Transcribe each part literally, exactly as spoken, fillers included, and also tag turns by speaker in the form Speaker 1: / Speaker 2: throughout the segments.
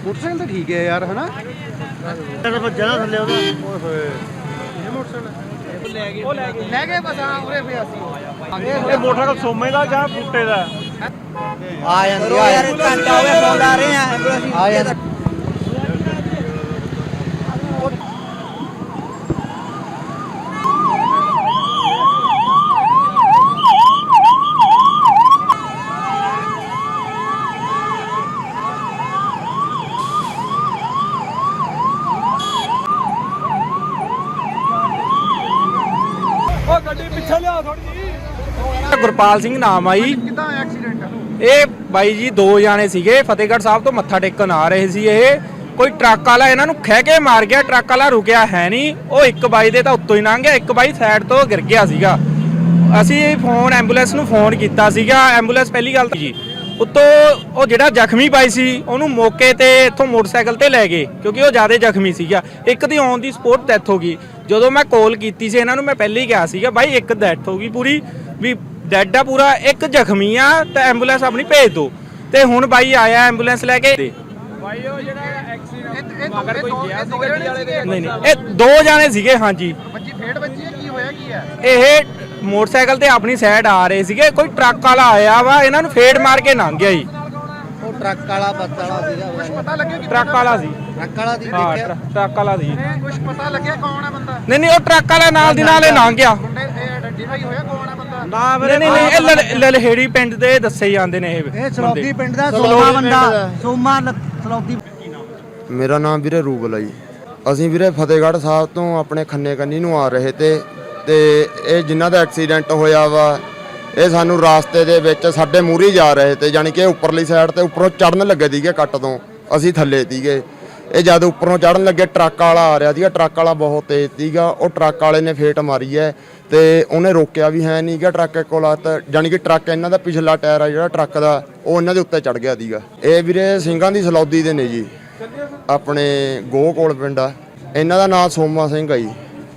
Speaker 1: Motorcycle तो ठीक है यार, है ना?
Speaker 2: ਵੱਜਾ ਨਾ ਥੱਲੇ ਉਹਦਾ।
Speaker 1: ओए होए, ये मोटरसाइकिल ले गए बस। हाँ उरे पे ਅਸੀਂ
Speaker 2: ਇਹ ਮੋਟਰਸਾਈਕਲ ਸੋਮੇ ਦਾ ਜਾਂ ਬੂਟੇ ਦਾ?
Speaker 3: ਆ ਜਾਂਦੀ ਆ ਯਾਰ, ਘੰਟਾ ਹੋ ਗਿਆ ਫੋਨ ਲਾ ਰਹੇ ਆ ਐਂਬੂਲੈਂਸ ਆ ਜਾਂਦੀ।
Speaker 2: ਉਹ ਗੱਡੀ ਪਿੱਛੇ ਲਿਆ ਥੋੜੀ ਜੀ।
Speaker 4: ਗੁਰਪਾਲ ਸਿੰਘ ਨਾਮ ਆਈ।
Speaker 1: ਕਿੱਦਾਂ ਐਕਸੀਡੈਂਟ?
Speaker 4: ਇਹ ਬਾਈ ਜੀ ਦੋ ਜਾਣੇ ਸੀਗੇ, ਫਤਿਹਗੜ੍ਹ ਸਾਹਿਬ ਤੋਂ ਮੱਥਾ ਟੇਕਣ ਆ ਰਹੇ ਸੀ। ਇਹ ਕੋਈ ਟਰੱਕ ਵਾਲਾ ਇਹਨਾਂ ਨੂੰ ਖਹਿ ਕੇ ਮਾਰ ਗਿਆ। ਟਰੱਕ ਵਾਲਾ ਰੁਕਿਆ ਹੈ ਨਹੀਂ, ਉਹ ਇੱਕ ਬਾਈ ਦੇ ਤਾਂ ਉੱਤੋਂ ਹੀ ਲੰਘ ਗਿਆ, ਇੱਕ ਬਾਈ ਸਾਈਡ ਤੋਂ ਗਿਰ ਗਿਆ ਸੀਗਾ। ਅਸੀਂ ਫੋਨ ਐਂਬੂਲੈਂਸ ਨੂੰ ਫੋਨ ਕੀਤਾ ਸੀਗਾ। ਐਂਬੂਲੈਂਸ ਪਹਿਲੀ ਗੱਲ ਤਾਂ ਜੀ ਉੱਤੋਂ ਉਹ ਜਿਹੜਾ ਜ਼ਖਮੀ ਬਾਈ ਸੀ ਉਹਨੂੰ ਮੌਕੇ ਤੇ ਇੱਥੋਂ ਮੋਟਰਸਾਈਕਲ ਤੇ ਲੈ ਗਏ, ਕਿਉਂਕਿ ਉਹ ਜ਼ਿਆਦਾ ਜ਼ਖਮੀ ਸੀਗਾ। ਇੱਕ ਦੀ ਔਨ ਦੀ ਸਪੋਟ ਡੈਥ ਹੋ ਗਈ। ਜਦੋਂ ਮੈਂ ਕਾਲ ਕੀਤੀ ਸੀ ਇਹਨਾਂ ਨੂੰ, ਮੈਂ ਪਹਿਲੇ ਹੀ ਕਿਹਾ ਸੀਗਾ ਬਾਈ ਇੱਕ ਡੈਥ ਹੋ ਗਈ ਪੂਰੀ, ਵੀ ਡੈਡ ਆ ਪੂਰਾ, ਇੱਕ ਜ਼ਖਮੀ ਆ, ਤਾਂ ਐਂਬੂਲੈਂਸ ਆਪਣੀ ਭੇਜ ਦਿਓ। ਤੇ ਹੁਣ ਬਾਈ ਆਇਆ ਐਂਬੂਲੈਂਸ ਲੈ ਕੇ।
Speaker 2: ਬਾਈ ਉਹ ਜਿਹੜਾ ਐਕਸੀਡੈਂਟ
Speaker 1: ਮਗਰ ਕੋਈ ਗਿਆ ਸੀ ਗੱਡੀ ਵਾਲੇ ਦੇ?
Speaker 4: ਨਹੀਂ ਨਹੀਂ, ਇਹ ਦੋ ਜਾਣੇ ਸੀਗੇ। ਹਾਂਜੀ,
Speaker 1: ਬੱਚੀ ਫੇੜ ਬੱਚੀ ਹੈ, ਕੀ ਹੋਇਆ ਕੀ ਹੈ?
Speaker 4: ਇਹ ਮੋਟਰਸਾਈਕਲ ਤੇ ਆਪਣੀ ਸਾਈਡ ਆ ਰਹੇ ਸੀਗੇ। ਕੋਈ ਟਰੱਕ ਵਾਲਾ ਆਇਆ ਵਾ, ਇਹਨਾਂ ਨੂੰ ਫੇੜ ਮਾਰ ਕੇ ਲੰਘ ਗਿਆ ਜੀ।
Speaker 3: ਉਹ ਟਰੱਕ ਵਾਲਾ ਬੱਸ ਵਾਲਾ ਸੀਗਾ,
Speaker 1: ਕੁਝ ਪਤਾ ਲੱਗਿਆ ਕਿ
Speaker 4: ਟਰੱਕ ਵਾਲਾ ਸੀ।
Speaker 3: ਟਰੱਕ ਵਾਲਾ ਦੀ
Speaker 4: ਹਾਂ,
Speaker 3: ਦੇਖਿਆ
Speaker 4: ਟਰੱਕ- ਟਰੱਕ ਵਾਲਾ ਸੀ।
Speaker 1: ਕੁਝ ਪਤਾ ਲੱਗਿਆ ਕੌਣ ਹੈ ਬੰਦਾ?
Speaker 4: ਨਹੀਂ ਨਹੀਂ, ਉਹ ਟਰੱਕ ਵਾਲਾ ਨਾਲ ਦੀ ਨਾਲ ਹੀ ਲੰਘ ਗਿਆ।
Speaker 1: ਮੁੰਡੇ ਇਹ ਆਇਡੈਂਟੀਫਾਈ ਹੋਇਆ ਕੌਣ ਹੈ ਬੰਦਾ?
Speaker 2: ਨਾ
Speaker 4: ਨਹੀਂ ਨਹੀਂ ਨਹੀਂ, ਇਹ ਲਲ- ਲਲਹੇੜੀ ਪਿੰਡ ਦੇ ਦੱਸੇ ਜਾਂਦੇ ਨੇ ਇਹ
Speaker 3: ਇਹ ਸਲੌਦੀ ਪਿੰਡ ਦਾ
Speaker 4: ਸਲੌਦੀ
Speaker 3: ਸੋਮਾ
Speaker 4: ਪਿੰਡ
Speaker 3: ਬੰਦਾ,
Speaker 4: ਦਾ।
Speaker 3: ਸੋਮਾ ਸਲੌਦੀ।
Speaker 5: ਮੇਰਾ ਨਾਮ ਵੀਰੇ ਰੂਬਲ ਆ ਜੀ। ਅਸੀਂ ਵੀਰੇ ਫਤਿਹਗੜ੍ਹ ਸਾਹਿਬ ਤੋਂ ਆਪਣੇ ਖੰਨੇ ਕੰਨੀ ਨੂੰ ਆ ਰਹੇ ਤੇ ਤੇ ਇਹ ਜਿਨ੍ਹਾਂ ਦਾ ਐਕਸੀਡੈਂਟ ਹੋਇਆ ਵਾ, ਇਹ ਸਾਨੂੰ ਰਾਸਤੇ ਦੇ ਵਿੱਚ ਸਾਡੇ ਮੂਹਰੇ ਜਾ ਰਹੇ ਤੇ, ਜਾਣੀ ਕਿ ਉੱਪਰਲੀ ਸਾਈਡ ਤੇ ਉੱਪਰੋਂ ਚੜਨ ਲੱਗੇ ਸੀਗੇ ਕੱਟ ਤੋਂ, ਅਸੀਂ ਥੱਲੇ ਸੀਗੇ। ਇਹ ਜਦ ਉੱਪਰੋਂ ਚੜਨ ਲੱਗੇ ਟਰੱਕ ਵਾਲਾ ਆ ਰਿਹਾ ਸੀਗਾ। ਟਰੱਕ ਵਾਲਾ ਬਹੁਤ ਤੇਜ਼ ਸੀਗਾ। ਉਹ ਟਰੱਕ ਵਾਲੇ ਨੇ ਫੇਟ ਮਾਰੀ ਹੈ ਤੇ ਉਹਨੇ ਰੋਕਿਆ ਵੀ ਹੈ ਨਹੀਂਗਾ ਟਰੱਕ ਕੋਲ। ਤਾਂ ਜਾਣੀ ਕਿ ਟਰੱਕ ਇਹਨਾਂ ਦਾ ਪਿਛਲਾ ਟਾਇਰ ਆ ਜਿਹੜਾ ਟਰੱਕ ਦਾ, ਉਹ ਇਹਨਾਂ ਦੇ ਉੱਤੇ ਚੜ ਗਿਆ ਸੀਗਾ। ਇਹ ਵੀਰੇ ਸਿੰਘਾਂ ਦੀ ਸਲੌਦੀ ਦੇ ਨੇ ਜੀ, ਆਪਣੇ ਗੋਹ ਕੋਲ ਪਿੰਡ ਆ। ਇਹਨਾਂ ਦਾ ਨਾਮ ਸੋਮਾ ਸਿੰਘ ਆ ਜੀ।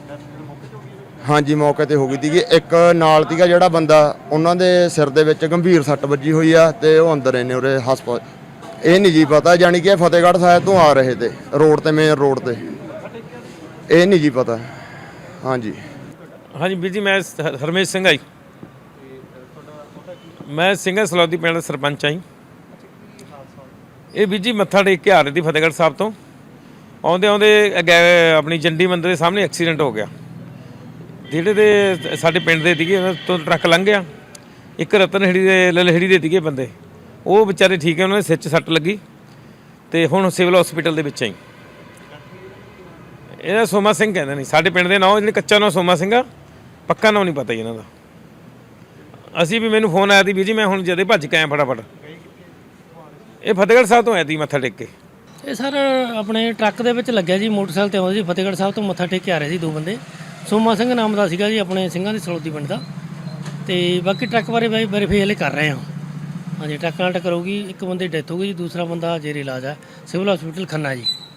Speaker 5: ਹਾਂਜੀ, ਮੌਕੇ ਤੇ ਹੋ ਗਈ ਸੀਗੀ। ਇੱਕ ਨਾਲ ਸੀਗਾ ਜਿਹੜਾ ਬੰਦਾ, ਉਹਨਾਂ ਦੇ ਸਿਰ ਦੇ ਵਿੱਚ ਗੰਭੀਰ ਸੱਟ ਵੱਜੀ ਹੋਈ ਆ ਤੇ ਉਹ ਅੰਦਰ ਨੇ ਉਰੇ ਹਸਪਤਾਲ। ਇਹ ਨਹੀਂ ਜੀ ਪਤਾ, ਜਾਣੀ ਕਿ ਫਤਿਹਗੜ੍ਹ ਸਾਹਿਬ ਤੋਂ ਆ ਰਹੇ ਤੇ ਰੋਡ ਤੇ, ਮੇਨ ਰੋਡ ਤੇ। ਇਹ ਨਹੀਂ ਜੀ ਪਤਾ। ਹਾਂਜੀ
Speaker 6: ਹਾਂਜੀ ਵੀਰ ਜੀ, ਮੈਂ ਹ- ਹਰਮੇਸ਼ ਸਿੰਘ ਆ ਜੀ। ਮੈਂ ਸਿੰਘਾ ਸਲੌਦੀ ਪਿੰਡ ਦਾ ਸਰਪੰਚ ਆ ਜੀ। ਇਹ ਵੀਰ ਜੀ ਮੱਥਾ ਟੇਕ ਕੇ ਆ ਰਹੇ ਸੀ ਫਤਿਹਗੜ੍ਹ ਸਾਹਿਬ ਤੋਂ। ਆਉਂਦੇ ਆਉਂਦੇ ਅੱਗੇ ਆਪਣੀ ਜੰਡੀ ਮੰਦਰ ਦੇ ਸਾਹਮਣੇ ਐਕਸੀਡੈਂਟ ਹੋ ਗਿਆ। ਜਿਹੜੇ ਦੇ ਸਾਡੇ ਪਿੰਡ ਦੇ ਸੀਗੇ ਉਹਨਾਂ ਤੋਂ ਟਰੱਕ ਲੰਘ ਗਿਆ। ਇੱਕ ਰਤਨਹੇੜੀ ਦੇ ਲਲਹੇੜੀ ਦੇ ਸੀਗੇ ਬੰਦੇ, ਉਹ ਵਿਚਾਰੇ ਠੀਕ ਹੈ, ਉਹਨਾਂ ਦੇ ਸਿਰ 'ਚ ਸੱਟ ਲੱਗੀ ਤੇ ਹੁਣ ਸਿਵਲ ਹਸਪੀਟਲ ਦੇ ਵਿੱਚ ਆਈ। ਇਹਦਾ ਸੋਮਾ ਸਿੰਘ ਕਹਿੰਦੇ ਨੇ ਸਾਡੇ ਪਿੰਡ ਦੇ ਨਾਂ, ਜਿਹੜੇ ਕੱਚਾ ਨਾਂ ਸੋਮਾ ਸਿੰਘ ਆ, ਪੱਕਾ ਨਾਂ ਨਹੀਂ ਪਤਾ ਜੀ ਇਹਨਾਂ ਦਾ। ਅਸੀਂ ਵੀ, ਮੈਨੂੰ ਫੋਨ ਆਇਆ ਸੀ ਵੀਰ ਜੀ, ਮੈਂ ਹੁਣ ਜਦੇ ਭੱਜ ਕੇ ਆਇਆ ਫਟਾਫਟ। ਇਹ ਫਤਿਹਗੜ੍ਹ ਸਾਹਿਬ ਤੋਂ ਆਇਆ ਸੀ ਮੱਥਾ ਟੇਕ ਕੇ।
Speaker 7: ਇਹ ਸਰ ਆਪਣੇ ਟਰੱਕ ਦੇ ਵਿੱਚ ਲੱਗਿਆ ਜੀ, ਮੋਟਰਸਾਈਕਲ ਤੇ ਆਉਂਦੇ ਸੀ, ਫਤਿਹਗੜ੍ਹ ਸਾਹਿਬ ਤੋਂ ਮੱਥਾ ਟੇਕ ਕੇ ਆ ਰਹੇ ਸੀ ਦੋ ਬੰਦੇ। ਸੋਮਾ ਸਿੰਘ ਨਾਮ ਦਾ ਸੀਗਾ ਜੀ, ਆਪਣੇ ਸਿੰਘਾਂ ਦੀ ਸਲੌਦੀ ਪਿੰਡ ਦਾ। ਤੇ ਬਾਕੀ ਟਰੱਕ ਬਾਰੇ ਬਾਈ ਵੈਰੀਫਾਈ ਹਲੇ ਕਰ ਰਹੇ ਹਾਂ। ਹਾਂਜੀ, ਟਰੱਕ ਨਾਲ ਟੱਕਰ ਹੋ ਗਈ, ਇੱਕ ਬੰਦੇ ਦੀ ਡੈਥ ਹੋ ਗਈ ਜੀ, ਦੂਸਰਾ ਬੰਦਾ ਜੇਰੇ ਇਲਾਜ ਹੈ ਸਿਵਲ ਹਸਪੀਟਲ ਖੰਨਾ ਜੀ।